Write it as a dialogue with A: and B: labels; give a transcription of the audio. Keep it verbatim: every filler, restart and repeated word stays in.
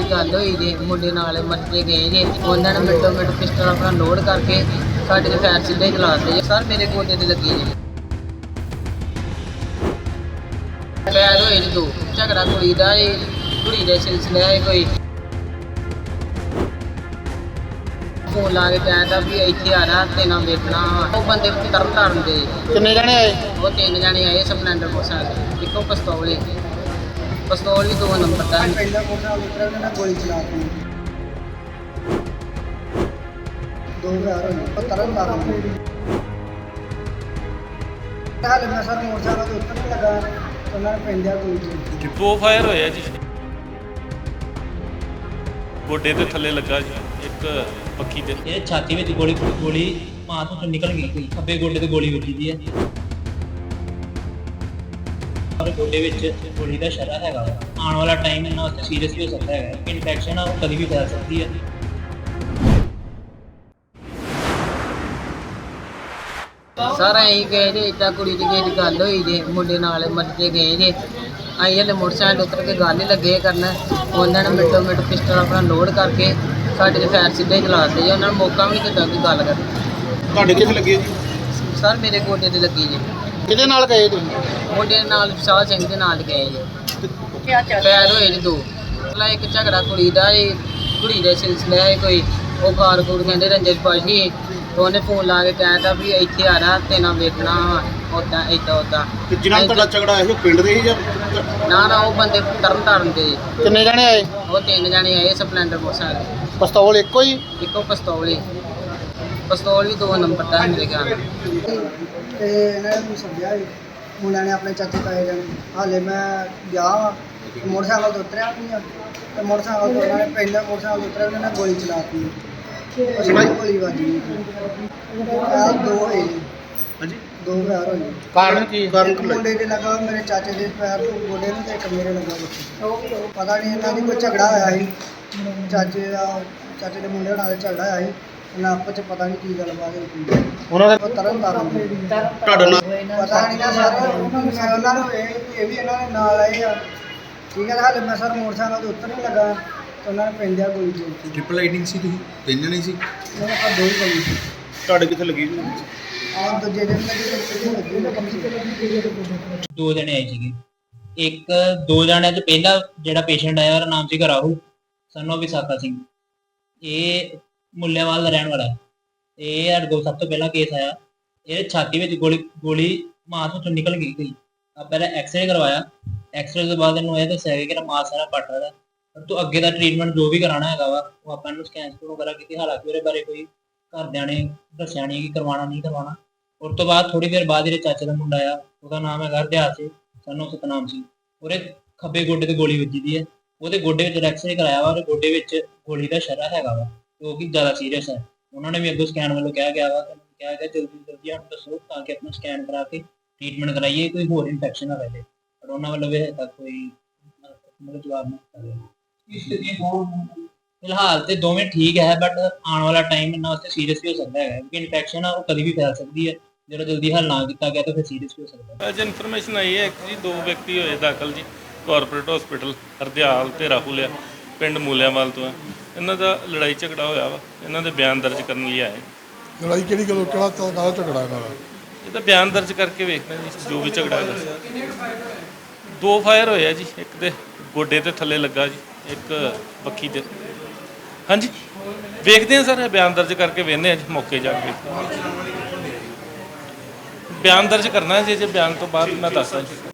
A: ਗੱਲ ਹੋਈ ਜੇ ਮੁੰਡੇ ਨਾਲ ਮੱਥੇ ਗਏ ਜੇ ਉਹਨਾਂ ਨੇ ਮਿੰਟੋ ਮਿੰਟ ਪਿਸਟਲ ਆਪਣਾ ਲੋਡ ਕਰਕੇ ਸਾਡੇ ਦੇ ਫੈਰ ਸਿੱਧੇ ਚਲਾ ਦਿੱਤੇ ਜੇ ਸਰ ਮੇਰੇ ਗੋਡੇ ਤੇ ਲੱਗੀ ਜੇ ਪੈਰ ਹੋਏ ਨੇ ਦੋ ਝਗੜਾ ਕੁੜੀ ਦਾ ਇਹ ਕੁੜੀ ਦੇ ਸਿਲਸਿਲੇ ਹੈ ਕੋਈ ਫੋਨ ਲਾ ਕੇ ਕਹਿੰਦਾ ਵੀ ਇੱਥੇ ਆ ਨਾ ਤੇ ਨਾ ਵੇਖਣਾ ਉਹ ਬੰਦੇ ਤਰਨ ਤਾਰਨ ਦੇ
B: ਕਿੰਨੇ ਜਣੇ ਆਏ?
A: ਉਹ ਤਿੰਨ ਜਣੇ ਆਏ ਸਪਲੈਂਡਰ ਮੋਟਰਸਾਈਕਲ ਇੱਕੋ ਪਿਸਤੌਲ ਪਿਸਤੌਲ ਵੀ ਦੋ ਨੰਬਰ ਦਾ
C: ਪਹਿਲਾ ਮੋਟਰਸਾਈਕਲ ਉਤਰਿਆ ਉਹਨਾਂ ਨੇ ਗੋਲੀ ਚਲਾ ਦਿੱਤੀ ਦੋ ਹਜ਼ਾਰ ਹੋਏ ਉਹ ਤਰਨ ਤਾਰਨ ਹਾਲੇ ਮੈਂ ਸਰ ਮੋਟਰਸਾਈਕਲ ਤੋਂ ਉਤਰਨ ਲੱਗਾ ਉਹਨਾਂ ਨੇ ਪੈਂਦਿਆ ਗੋਲੀ ਚਲਾਈ
D: ਦੋ ਫਾਇਰ ਹੋਏ ਆ ਜੀ ਗੋਡੇ ਦੇ ਥੱਲੇ ਲੱਗਾ ਜੀ ਇੱਕ ਪੱਖੀ ਦੇ
E: ਇਹ ਛਾਤੀ ਵਿੱਚ ਗੋਲੀ ਗੋਲੀ ਮਾਂ ਤੋਂ ਨਿਕਲ ਗਈ ਕੋਈ ਖੱਬੇ ਗੋਡੇ ਤੇ ਗੋਲੀ ਵੱਜੀ ਦੀ ਹੈ ਔਰ ਗੋਡੇ ਵਿੱਚ ਗੋਲੀ ਦਾ ਸ਼ਰਾ ਹੈਗਾ ਆਉਣ ਵਾਲਾ ਟਾਈਮ ਇਹਨਾਂ ਵਾਸਤੇ ਸੀਰੀਅਸ ਵੀ ਹੋ ਸਕਦਾ ਹੈ ਕਿ ਇਨਫੈਕਸ਼ਨ ਆ ਉਹ ਕਦੀ ਵੀ ਫੈਲ ਸਕਦੀ ਹੈ।
A: ਸਰ ਅਸੀਂ ਗਏ ਜੇ ਇੱਦਾਂ ਕੁੜੀ ਦੀ ਕਿਸੇ ਦੀ ਗੱਲ ਹੋਈ ਜੇ ਮੁੰਡੇ ਨਾਲ ਮੱਥੇ ਗਏ ਜੇ ਅਸੀਂ ਹਲੇ ਮੋਟਰਸਾਈਕਲ ਉਤਰ ਕੇ ਗੱਲ ਹੀ ਲੱਗੇ ਕਰਨ ਉਹਨਾਂ ਨੇ ਮਿੰਟੋ ਮਿੰਟ ਪਿਸਟਲ ਆਪਣਾ ਲੋਡ ਕਰਕੇ ਸਾਡੇ ਦੇ ਫੈਰ ਸਿੱਧੇ ਚਲਾ ਦਿੱਤੇ ਜੀ ਉਹਨਾਂ ਨੂੰ ਮੌਕਾ ਵੀ ਨਹੀਂ ਦਿੱਤਾ ਕੋਈ ਗੱਲ ਕਰਨ
B: ਤੁਹਾਡੇ ਕਿੱਥੇ ਲੱਗੇ ਜੀ?
A: ਸਰ ਮੇਰੇ ਗੋਡੇ ਤੇ ਲੱਗੀ ਜੀ
B: ਕਿਹਦੇ ਨਾਲ ਗਏ ਤੁਸੀਂ?
A: ਮੁੰਡੇ ਨਾਲ ਵਿਸ਼ਾਲ ਸਿੰਘ ਦੇ ਨਾਲ ਗਏ ਜੀ ਪੈਰ ਹੋਏ ਨੇ ਦੋ ਪਹਿਲਾਂ ਇੱਕ ਝਗੜਾ ਕੁੜੀ ਦਾ ਇਹ ਕੁੜੀ ਦੇ ਸਿਲਸਿਲੇ ਹੈ ਕੋਈ ਉਹ ਕਾਰ ਕੂੜ ਕਹਿੰਦੇ ਰੰਜਨ ਪਾਸ਼ੀ ਉਹਨੇ ਫੋਨ ਲਾ ਕੇ ਕਹਿੰਦਾ ਵੀ ਇੱਥੇ ਆ ਨਾ ਤੇ ਨਾ ਵੇਖਣਾ ਉੱਦਾਂ ਇੱਦਾਂ ਉੱਦਾਂ
B: ਤੇ ਜਿਨ੍ਹਾਂ ਨਾਲ ਤੁਹਾਡਾ ਝਗੜਾ ਹੋਇਆ ਸੀ ਉਹ ਪਿੰਡ ਦੇ ਸੀ ਜਾਂ
A: ਨਾ ਨਾ ਉਹ ਬੰਦੇ ਤਰਨ ਤਾਰਨ ਦੇ
B: ਕਿੰਨੇ ਜਣੇ ਆਏ?
A: ਉਹ ਤਿੰਨ ਜਣੇ ਆਏ ਸਪਲੈਂਡਰ ਮੋਟਰਸਾਈਕਲ
B: ਪਿਸਤੌਲ ਇੱਕੋ ਹੀ?
A: ਇੱਕੋ ਪਿਸਤੌਲ ਹੀ ਪਿਸਤੌਲ ਵੀ ਦੋ ਨੰਬਰ ਦਾ ਮੇਰੇ ਖਿਆਲ ਨਾਲ
C: ਤੇ ਇਹਨਾਂ ਨੇ ਮੈਨੂੰ ਸਮਝਿਆ ਸੀ ਮੁੰਡਿਆਂ ਨੇ ਆਪਣੇ ਚਾਚੇ ਤਾਏ ਜਾਣੇ ਹਾਲੇ ਮੈਂ ਗਿਆ ਵਾਂ ਮੋਟਰਸਾਈਕਲ ਤੋਂ ਉਤਰਿਆ ਨਹੀਂ ਆ ਤੇ ਮੋਟਰਸਾਈਕਲ ਤੋਂ ਉਹਨਾਂ ਨੇ ਪਹਿਲਾਂ ਮੋਟਰਸਾਈਕਲ ਤੋਂ ਉਤਰਿਆ ਉਹਨਾਂ ਨੇ ਗੋਲੀ ਚਲਾ ਦਿੱਤੀ ਉਸ ਨਾਲ ਗੋਲੀ ਵੱਜੀ ਆ ਦੋ ਹੋਏ ਨੇ।
B: ਹਾਂਜੀ।
C: ਦੋ ਹਜ਼ਾਰ ਹੋਏ
B: ਕਾਰਨ ਕੀ? ਕਾਰਨ
C: ਇੱਕ ਮੁੰਡੇ ਦੇ ਲੱਗਾ ਮੇਰੇ ਚਾਚੇ ਦੇ ਪੈਰ ਤੋਂ ਗੋਡੇ ਨੂੰ ਤੇ ਇੱਕ ਮੇਰੇ ਲੱਗਾ ਵਿੱਚ ਪਤਾ ਨਹੀਂ ਇਹਨਾਂ ਦੀ ਕੋਈ ਝਗੜਾ ਹੋਇਆ ਸੀ ਚਾਚੇ ਦਾ ਚਾਚੇ ਦੇ ਮੁੰਡੇ ਨਾਲ ਝਗੜਾ ਹੋਇਆ ਸੀ ਇਹਨਾਂ ਆਪਸ ਚ ਪਤਾ ਨਹੀਂ ਕੀ ਗੱਲਬਾਤ ਹੋਈ
B: ਉਹਨਾਂ
C: ਉਹ ਤਰਨ ਤਾਰਨ ਦੇ
B: ਤੁਹਾਡਾ ਨਾਮ?
C: ਪਤਾ ਨਹੀਂ ਨਾ ਸਰ ਮੈਂ ਉਹਨਾਂ ਨੂੰ ਇਹ ਇਹ ਵੀ ਇਹਨਾਂ ਦੇ ਨਾਲ ਆਏ ਆ ਠੀਕ ਹੈ ਹਾਲੇ ਮੈਂ ਸਰ ਮੋਟਰਸਾਈਕਲ ਤੋਂ ਉਤਰਨ ਲੱਗਾ ਤੇ ਉਹਨਾਂ ਨੇ ਪੈਂਦਿਆ ਗੋਲੀ ਚਲਾਈ
F: ਟ੍ਰਿਪਲ ਰਾਈਡਿੰਗ ਸੀ ਤੁਸੀਂ ਤਿੰਨ ਜਣੇ ਸੀ
C: ਉਹਨਾਂ ਆ ਦੋ ਹੀ ਗੋਲੀ ਸੀ
B: ਤੁਹਾਡੇ ਕਿੱਥੇ ਲੱਗੀ ਜੀ?
C: ਆਹ ਦੂਜੇ ਦਿਨ ਲੱਗੀ ਤੇ ਤੀਜੇ ਲੱਗੀ ਨਾ ਕਮ ਸੇ ਕਮ
E: ਦੋ ਜਣੇ ਆਏ ਸੀਗੇ ਇੱਕ ਦੋ ਜਣਿਆਂ ਚ ਪਹਿਲਾ ਜਿਹੜਾ ਪੇਸ਼ੈਂਟ ਆਇਆ ਉਹਦਾ ਨਾਮ ਸੀਗਾ ਰਾਹੁਲ ਸਨ ਆਫ ਵਿਸਾਖਾ ਸਿੰਘ ਇਹ ਮੁੱਲੇਵਾਲ ਦਾ ਰਹਿਣ ਵਾਲਾ ਹੈ। ਇਹ ਸਾਡੇ ਕੋਲ ਸਭ ਤੋਂ ਪਹਿਲਾਂ ਕੇਸ ਆਇਆ ਇਹ ਛਾਤੀ ਵਿੱਚ ਗੋਲੀ ਗੋਲੀ ਮਾਸ ਵਿੱਚੋਂ ਨਿਕਲ ਗਈ ਕੋਈ ਆ ਪਹਿਲਾਂ ਐਕਸਰੇ ਕਰਵਾਇਆ ਐਕਸਰੇ ਤੋਂ ਬਾਅਦ ਇਹਨੂੰ ਇਹ ਦੱਸਿਆ ਗਿਆ ਕਿ ਇਹਦਾ ਮਾਸ ਸਾਰਾ ਪੱਟ ਰਿਹਾ ਪਰ ਤੂੰ ਅੱਗੇ ਦਾ ਟ੍ਰੀਟਮੈਂਟ ਜੋ ਵੀ ਕਰਾਉਣਾ ਹੈਗਾ ਵਾ ਉਹ ਆਪਾਂ ਇਹਨੂੰ ਸਕੈਨ ਸਕੂਨ ਵਗੈਰਾ ਕੀਤੀ ਹਾਲਾਂਕਿ ਉਹਦੇ ਬਾਰੇ ਕੋਈ ਘਰਦਿਆਂ ਨੇ ਦੱਸਿਆ ਨਹੀਂ ਕਿ ਕਰਵਾਉਣਾ ਨਹੀਂ ਕਰਵਾਉਣਾ। ਉਸ ਤੋਂ ਬਾਅਦ ਥੋੜੀ ਦੇਰ ਬਾਅਦ ਇਹਦੇ ਚਾਚੇ ਦਾ ਮੁੰਡਾ ਆਇਆ ਉਹਦਾ ਨਾਮ ਹੈਗਾ ਹਰਦਿਆਲ ਸਿੰਘ ਸਾਨੂੰ ਸਤਨਾਮ ਸਿੰਘ ਉਹਦੇ ਖੱਬੇ ਗੋਡੇ ਤੇ ਗੋਲੀ ਵੱਜੀ ਦੀ ਹੈ ਉਹਦੇ ਗੋਡੇ ਵਿੱਚ ਐਕਸਰੇ ਕਰਾਇਆ ਵਾ ਉਹਦੇ ਗੋਡੇ ਵਿੱਚ ਗੋਲੀ ਦਾ ਸ਼ਰਾ ਹੈਗਾ ਵਾ ਜੋ ਕਿ ਜ਼ਿਆਦਾ ਸੀਰੀਅਸ ਹੈ। ਉਹਨਾਂ ਨੇ ਵੀ ਅੱਗੋਂ ਸਕੈਨ ਵੱਲੋਂ ਕਿਹਾ ਗਿਆ ਵਾ ਕਿਹਾ ਗਿਆ ਜਲਦੀ ਜਲਦੀ ਸਾਨੂੰ ਦੱਸੋ ਤਾਂ ਕਿ ਆਪਣਾ ਸਕੈਨ ਕਰਾ ਕੇ ਟ੍ਰੀਟਮੈਂਟ ਕਰਾਈਏ ਕੋਈ ਹੋਰ ਇਨਫੈਕਸ਼ਨ ਨਾ ਰਹੇ ਪਰ ਉਹਨਾਂ ਵੱਲੋਂ ਵੀ ਹਜੇ ਤੱਕ ਕੋਈ ਮਤਲਬ ਜਵਾਬ ਨਹੀਂ ਦਿੱਤਾ ਫਿਲਹਾਲ ਤੇ ਦੋਵੇਂ ਠੀਕ ਹੈ ਬਟ ਆਉਣ ਵਾਲਾ ਟਾਈਮ ਇਹਨਾਂ ਵਾਸਤੇ ਸੀਰੀਅਸ ਵੀ ਹੋ ਸਕਦਾ ਹੈ ਕਿਉਂਕਿ ਇਨਫੈਕਸ਼ਨ ਆ ਉਹ ਕਦੀ ਵੀ ਫੈਲ ਸਕਦੀ ਹੈ ਜਦੋਂ ਜਲਦੀ ਹੱਲ ਨਾ ਕੀਤਾ ਗਿਆ ਤਾਂ ਫਿਰ ਸੀਰੀਅਸ ਵੀ ਹੋ ਸਕਦਾ ਹੈ।
D: ਅੱਜ ਇਨਫੋਰਮੇਸ਼ਨ ਆਈ ਹੈ ਕਿ ਜੀ ਦੋ ਵਿਅਕਤੀ ਹੋਏ ਦਾਖਲ ਜੀ ਕਾਰਪੋਰੇਟ ਹਸਪੀਟਲ ਹਰਦਿਆਲ ਤੇ ਰਾਹੁਲ ਆ ਪਿੰਡ ਮੂਲਿਆਂਵਾਲ ਤੋਂ ਆ ਇਹਨਾਂ ਦਾ ਲੜਾਈ ਝਗੜਾ ਹੋਇਆ ਵਾ ਇਹਨਾਂ ਦੇ ਬਿਆਨ ਦਰਜ ਕਰਨ ਲਈ ਆਏ।
F: ਲੜਾਈ ਕਿਹੜੀ ਗੱਲੋਂ ਕਿਹੜਾ ਕਾਹਦਾ ਝਗੜਾ ਇਹਨਾਂ ਦਾ?
D: ਇਹ ਤਾਂ ਬਿਆਨ ਦਰਜ ਕਰਕੇ ਵੇਖਦੇ ਜੀ ਜੋ ਵੀ ਝਗੜਾ ਹੈਗਾ। ਦੋ ਫਾਇਰ ਹੋਏ ਆ ਜੀ ਇੱਕ ਦੇ ਗੋਡੇ ਤੇ ਥੱਲੇ ਲੱਗਾ ਜੀ ਇੱਕ ਪੱਖੀ ਦੇ ਹਾਂਜੀ ਵੇਖਦੇ ਆ ਸਰ ਬਿਆਨ ਦਰਜ ਕਰਕੇ ਵੇਖਦੇ ਆ ਜੀ ਮੌਕੇ ਜਾ ਕੇ ਬਿਆਨ ਦਰਜ ਕਰਨਾ ਜੀ ਜੇ ਬਿਆਨ ਤੋਂ ਬਾਅਦ ਮੈਂ ਦੱਸਦਾ ਜੀ।